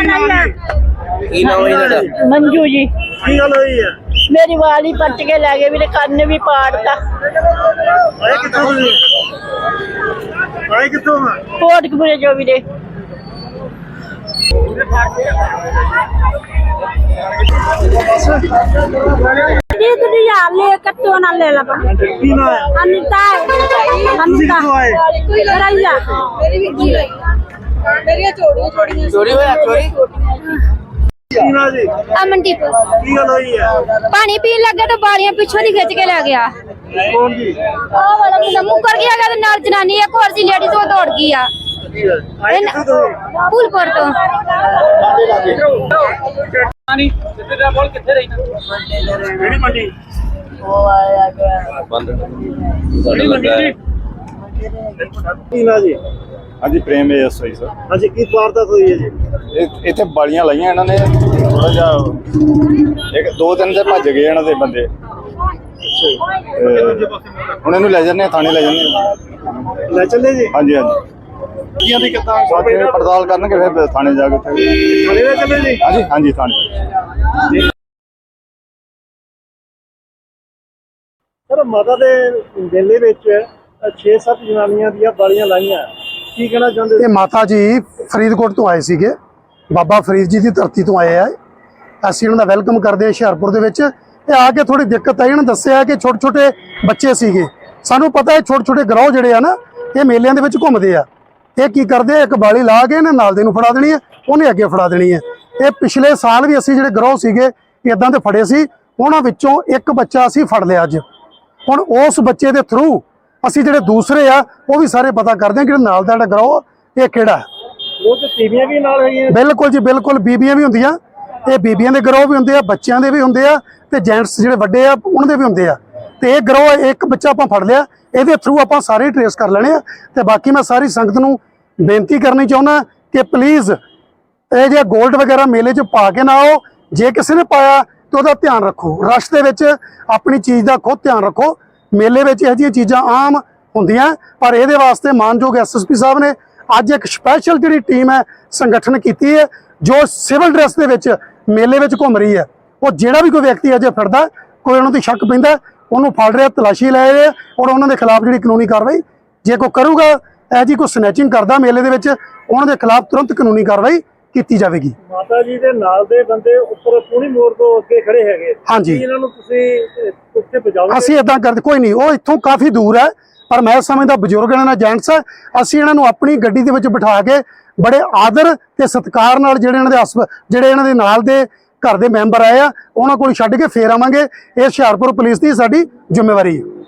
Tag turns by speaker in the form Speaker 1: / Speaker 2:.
Speaker 1: मंजू जी
Speaker 2: की गल हुई है?
Speaker 1: मेरी वाली पट के लै गए, मेरे कन्न भी पाड़ता।
Speaker 2: आए कित्थों
Speaker 1: कोटकपुरे जो भी दे
Speaker 2: की ना है?
Speaker 1: अनिता
Speaker 2: कित्थों आए? की ना जी?
Speaker 3: अमनदीप
Speaker 2: की गल हुई है?
Speaker 3: पानी पीन लगे तो बारियां पिछों दी खिंच के ले गया।
Speaker 2: कौन जी?
Speaker 3: ओ वाला मुंडा मुकर गया गा ते नाल जनानी एक और सी लेडी तो दौड़ गई आ
Speaker 2: आए कित्थों तुसीं?
Speaker 3: फूलपुर तो।
Speaker 2: केड़ी मंडी? की ना जी?
Speaker 4: हाँ जी प्रेम एएसआई सर।
Speaker 2: हाँ जी की वारदात हुई है जी?
Speaker 4: ਇੱਥੇ ਬਾਲੀਆਂ ਲਾਈਆਂ ਇਹਨਾਂ ਨੇ ਥੋੜਾ ਜਿਹਾ ਇੱਕ ਦੋ ਤਿੰਨ ਤੇ ਭੱਜ ਗਏ ਇਹਨਾਂ ਦੇ ਬੰਦੇ ਹੁਣ ਇਹਨੂੰ ਲੈ ਜਾਂਦੇ ਆ ਥਾਣੇ ਲੈ ਜਾਂਦੇ ਆ।
Speaker 2: ले चले जी?
Speaker 4: ਹਾਂਜੀ ਹਾਂਜੀ
Speaker 2: की दी कितना?
Speaker 4: ਬਾਕੀ ਇਹ ਪੜਤਾਲ ਕਰਨਗੇ ਫਿਰ ਥਾਣੇ ਜਾ ਕੇ ਉੱਥੇ
Speaker 2: थाने ले चले जी?
Speaker 4: ਹਾਂਜੀ ਹਾਂਜੀ ਥਾਣੇ।
Speaker 2: सर माता दे मेले विच 6-7 जनानियां दियां बालियां लाइयां, की कहना चाहते?
Speaker 5: ਇਹ ਮਾਤਾ ਜੀ ਫਰੀਦਕੋਟ ਤੋਂ ਆਏ ਸੀਗੇ, ਬਾਬਾ ਫਰੀਦ ਜੀ ਦੀ ਧਰਤੀ ਤੋਂ ਆਏ ਆ। ਅਸੀਂ ਉਹਨਾਂ ਦਾ ਵੈਲਕਮ ਕਰਦੇ ਹਾਂ ਹੁਸ਼ਿਆਰਪੁਰ ਦੇ ਵਿੱਚ। ਇਹ ਆ ਕੇ ਥੋੜੀ ਦਿੱਕਤ ਆਈ, ਇਹਨਾਂ ਦੱਸਿਆ ਕਿ ਛੋਟੇ ਛੋਟੇ ਬੱਚੇ ਸੀਗੇ। ਸਾਨੂੰ ਪਤਾ ਹੈ ਛੋਟੇ ਛੋਟੇ ਗਰੋਹ ਜਿਹੜੇ ਆ ਨਾ ਇਹ ਮੇਲਿਆਂ ਦੇ ਵਿੱਚ ਘੁੰਮਦੇ ਆ। ਇਹ ਕੀ ਕਰਦੇ ਆ, ਇੱਕ ਬਾਲੀ ਲਾ ਕੇ ਇਹਨਾਂ ਨਾਲ ਦੇ ਨੂੰ ਫੜਾ ਦੇਣੀ ਹੈ, ਉਹਨੇ ਅੱਗੇ ਫੜਾ ਦੇਣੀ ਹੈ। ਇਹ ਪਿਛਲੇ ਸਾਲ ਵੀ ਅਸੀਂ ਜਿਹੜੇ ਗਰੋਹ ਸੀਗੇ ਇਦਾਂ ਦੇ ਫੜੇ ਸੀ, ਉਹਨਾਂ ਵਿੱਚੋਂ ਇੱਕ ਬੱਚਾ ਅਸੀਂ ਫੜ ਲਿਆ ਅੱਜ। ਹੁਣ ਉਸ ਬੱਚੇ ਦੇ ਥਰੂ ਅਸੀਂ ਜਿਹੜੇ ਦੂਸਰੇ ਆ ਉਹ ਵੀ ਸਾਰੇ ਪਤਾ ਕਰਦੇ ਹਾਂ ਕਿ ਨਾਲ ਦਾ ਜਿਹੜਾ ਗਰੋਹ ਇਹ ਕਿਹੜਾ ਹੈ।
Speaker 2: वो तो टीवियां भी नाल है?
Speaker 5: ਬਿਲਕੁਲ ਜੀ ਬਿਲकुल, ਬੀਬੀਆਂ ਵੀ ਹੁੰਦੀਆਂ, ਇਹ ਬੀਬੀਆਂ ਦੇ ਗਰੋਹ ਵੀ ਹੁੰਦੇ ਆ, ਬੱਚਿਆਂ ਦੇ ਵੀ ਹੁੰਦੇ ਆ ਤੇ ਜੈਂਟਸ ਜਿਹੜੇ ਵੱਡੇ ਆ ਉਹਨਾਂ ਦੇ ਵੀ ਹੁੰਦੇ ਆ। ਤੇ ਇਹ ਗਰੋਹ ਇੱਕ ਬੱਚਾ ਆਪਾਂ ਫੜ ਲਿਆ, ਇਹਦੇ ਥਰੂ ਆਪਾਂ ਸਾਰੇ ਟ੍ਰੇਸ ਕਰ ਲੈਣੇ ਆ। ਤੇ ਬਾਕੀ ਮੈਂ ਸਾਰੀ ਸੰਗਤ ਨੂੰ ਬੇਨਤੀ ਕਰਨੀ ਚਾਹੁੰਦਾ ਕਿ ਪਲੀਜ਼ ਇਹ ਜੇ 골ਡ ਵਗੈਰਾ ਮੇਲੇ 'ਚ ਪਾ ਕੇ ਨਾ ਆਓ। ਜੇ ਕਿਸੇ ਨੇ ਪਾਇਆ ਤੇ ਉਹਦਾ ਧਿਆਨ ਰੱਖੋ, ਰਸ਼ ਦੇ ਵਿੱਚ ਆਪਣੀ ਚੀਜ਼ ਦਾ ਖੁਦ ਧਿਆਨ ਰੱਖੋ। ਮੇਲੇ ਵਿੱਚ ਇਹੋ ਜਿਹੀਆਂ ਚੀਜ਼ਾਂ ਆਮ ਹੁੰਦੀਆਂ, ਪਰ ਇਹਦੇ ਵਾਸਤੇ ਮਾਨਯੋਗ ਐਸਐਸਪੀ ਸਾਹਿਬ ਨੇ ਅੱਜ ਇੱਕ ਸਪੈਸ਼ਲ ਜਿਹੜੀ ਟੀਮ ਹੈ ਸੰਗਠਨ ਕੀਤੀ ਹੈ, ਜੋ ਸਿਵਲ ਡਰੈਸ ਦੇ ਵਿੱਚ ਮੇਲੇ ਵਿੱਚ ਘੁੰਮ ਰਹੀ ਹੈ। ਉਹ ਜਿਹੜਾ ਵੀ ਕੋਈ ਵਿਅਕਤੀ ਅਜੇ ਫਿਰਦਾ, ਕੋਈ ਉਹਨਾਂ ਦੀ ਸ਼ੱਕ ਪੈਂਦਾ, ਉਹਨੂੰ ਫੜ ਰਿਹਾ, ਤਲਾਸ਼ੀ ਲੈ ਰਹੇ ਔਰ ਉਹਨਾਂ ਦੇ ਖਿਲਾਫ ਜਿਹੜੀ ਕਾਨੂੰਨੀ ਕਾਰਵਾਈ ਜੇ ਕੋਈ ਕਰੂਗਾ, ਇਹ ਜੀ ਕੋਈ ਸਨੈਚਿੰਗ ਕਰਦਾ ਮੇਲੇ ਦੇ ਵਿੱਚ, ਉਹਨਾਂ ਦੇ ਖਿਲਾਫ ਤੁਰੰਤ ਕਾਨੂੰਨੀ ਕਾਰਵਾਈ ਕੀਤੀ ਜਾਵੇਗੀ।
Speaker 2: ਮਾਤਾ ਜੀ ਦੇ ਨਾਲ ਦੇ ਬੰਦੇ ਉੱਪਰ ਪੂਣੀ ਮੋੜ ਤੋਂ ਅੱਗੇ ਖੜੇ ਹੈਗੇ,
Speaker 5: ਹਾਂਜੀ।
Speaker 2: ਇਹਨਾਂ ਨੂੰ ਤੁਸੀਂ ਉੱਥੇ ਪਹੁੰਚਾਓਗੇ?
Speaker 5: ਅਸੀਂ ਇਦਾਂ ਕਰਦੇ ਕੋਈ ਨਹੀਂ, ਉਹ ਇੱਥੋਂ ਕਾਫੀ ਦੂਰ ਹੈ, ਪਰ ਮੈਂ ਸਮਝਦਾ ਬਜ਼ੁਰਗ ਇਹਨਾਂ ਨਾਲ ਜੈਂਟਸ ਹੈ। ਅਸੀਂ ਇਹਨਾਂ ਨੂੰ ਆਪਣੀ ਗੱਡੀ ਦੇ ਵਿੱਚ ਬਿਠਾ ਕੇ ਬੜੇ ਆਦਰ ਤੇ ਸਤਿਕਾਰ ਨਾਲ ਜਿਹੜੇ ਇਹਨਾਂ ਦੇ ਨਾਲ ਦੇ ਘਰ ਦੇ ਮੈਂਬਰ ਆਏ ਆ ਉਹਨਾਂ ਕੋਲ ਛੱਡ ਕੇ ਫੇਰ ਆਵਾਂਗੇ। ਇਹ ਹੁਸ਼ਿਆਰਪੁਰ ਪੁਲਿਸ ਦੀ ਸਾਡੀ ਜ਼ਿੰਮੇਵਾਰੀ ਹੈ।